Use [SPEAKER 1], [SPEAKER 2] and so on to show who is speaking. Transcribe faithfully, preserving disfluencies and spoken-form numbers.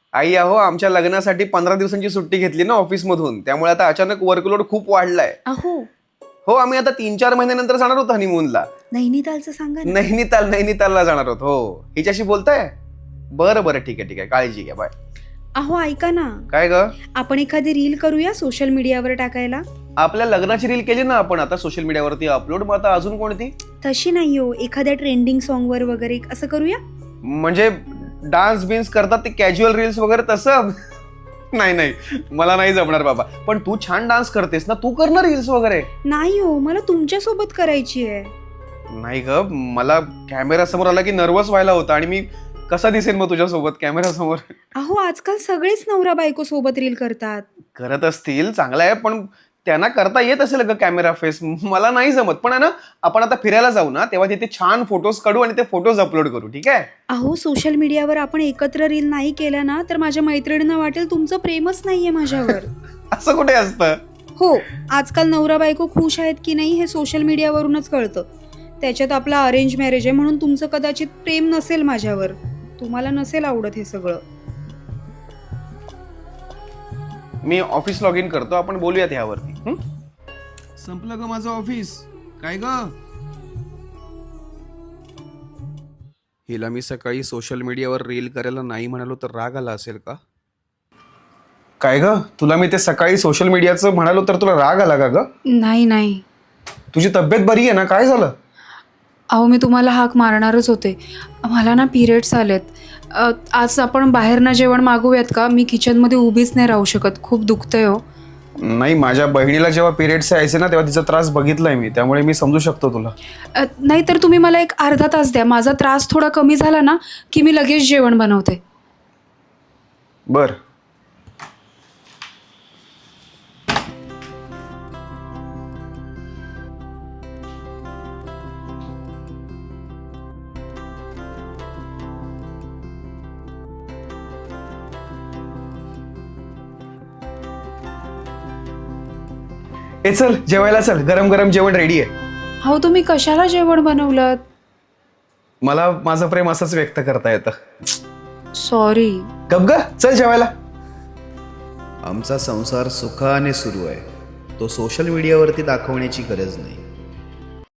[SPEAKER 1] आई अहो आमच्या लग्नासाठी पंधरा दिवसांची सुट्टी घेतली ना ऑफिस मधून, त्यामुळे आता अचानक वर्कलोड खूप वाढलाय.
[SPEAKER 2] अहो
[SPEAKER 1] हो आम्ही आता तीन चार महिन्यानंतर जाणार होतो हनीमूनला.
[SPEAKER 2] नैनितालचं सांगा ना.
[SPEAKER 1] नैनिताल नैनितालला जाणार होतो. हो हिच्याशी बोलताय? बरं बरं ठीक आहे ठीक आहे, काळजी घ्या, बाय.
[SPEAKER 2] अहो ऐका ना,
[SPEAKER 1] काय ग?
[SPEAKER 2] आपण एखादी रील करूया सोशल मीडियावर टाकायला.
[SPEAKER 1] आपल्या लग्नाची रील केली ना आपण आता सोशल मीडियावरती अपलोड, मग आता अजून कोणती?
[SPEAKER 2] तशी नाही हो, एखाद्या ट्रेंडिंग सॉन्ग वर वगैरे असं करूया.
[SPEAKER 1] म्हणजे डान्स बिन्स करतात ते कॅज्युअल रील्स वगैरे तसं? नाही नाही मला नाही जमणार बाबा. पण तू छान डान्स करतेस ना, तू कर ना रील्स वगैरे.
[SPEAKER 2] नाही हो, मला तुमच्या सोबत करायची आहे.
[SPEAKER 1] नाही ग, मला कॅमेरा समोर आला की नर्वस व्हायला होता आणि मी कसा दिसेल मग तुझ्या सोबत कॅमेरा समोर?
[SPEAKER 2] अहो आजकाल सगळेच नवरा बायको सोबत रील करतात.
[SPEAKER 1] करत असतील, चांगलं आहे, पण त्यांना करता येत असेल ग कॅमेरा फेस, मला नाही जमत. पण आहे ना, आपण आता फिरायला जाऊ ना तेव्हा तिथे छान फोटोज काढू आणि ते फोटोज अपलोड करू, ठीक आहे?
[SPEAKER 2] अहो सोशल मीडियावर आपण एकत्र रील नाही केल्या ना तर माझ्या मैत्रिणींना वाटेल तुमचं प्रेमच नाहीये माझ्यावर.
[SPEAKER 1] असं कुठे असतं?
[SPEAKER 2] हो, आजकाल नवरा बायको खुश आहेत की नाही हे सोशल मीडियावरूनच कळतं. त्याच्यात आपला अरेंज मॅरेज आहे म्हणून तुमचं कदाचित प्रेम नसेल माझ्यावर, तुम्हाला नसेल आवडत हे सगळं.
[SPEAKER 1] मी ऑफिस लॉग इन करतो, आपण बोलूयात ह्यावरती. हं? संपलं ग माझं ऑफिस. काय ग? हिला मी सकाळी सोशल मीडियावर रील करायला नाही म्हणालो तर राग आला असेल का? काय ग, तुला मी ते सकाळी सोशल मीडियाचं म्हणालो तर तुला राग आला का ग?
[SPEAKER 2] नाही नाही
[SPEAKER 1] तुझी तब्येत बरी आहे ना? काय झालं?
[SPEAKER 2] अहो मी तुम्हाला हाक मारणारच होते. मला ना पिरियड्स आलेत. अ, आज आपण बाहेरनं जेवण मागवूयात का? मी किचनमध्ये उभीच नाही राहू शकत, खूप दुखतंय हो.
[SPEAKER 1] नाही, माझ्या बहिणीला जेव्हा पिरियड्स यायचे ना तेव्हा तिचा त्रास बघितलाय मी, त्यामुळे मी समजू शकतो तुला.
[SPEAKER 2] अ, नाही तर तुम्ही मला एक अर्धा तास द्या, माझा त्रास थोडा कमी झाला ना की मी लगेच जेवण बनवते.
[SPEAKER 1] बर. ए चल जेवायला चल, गरम गरम जेवण रेडी आहे.
[SPEAKER 2] हो तुम्ही कशाला जेवण बनवलं?
[SPEAKER 1] मला माझं प्रेम असंच व्यक्त करता येतं.
[SPEAKER 2] सॉरी.
[SPEAKER 1] गप ग, चल जेवायला.
[SPEAKER 3] आमचा संसार सुखाने सुरू आहे, तो सोशल मीडियावरती दाखवण्याची गरज नाही.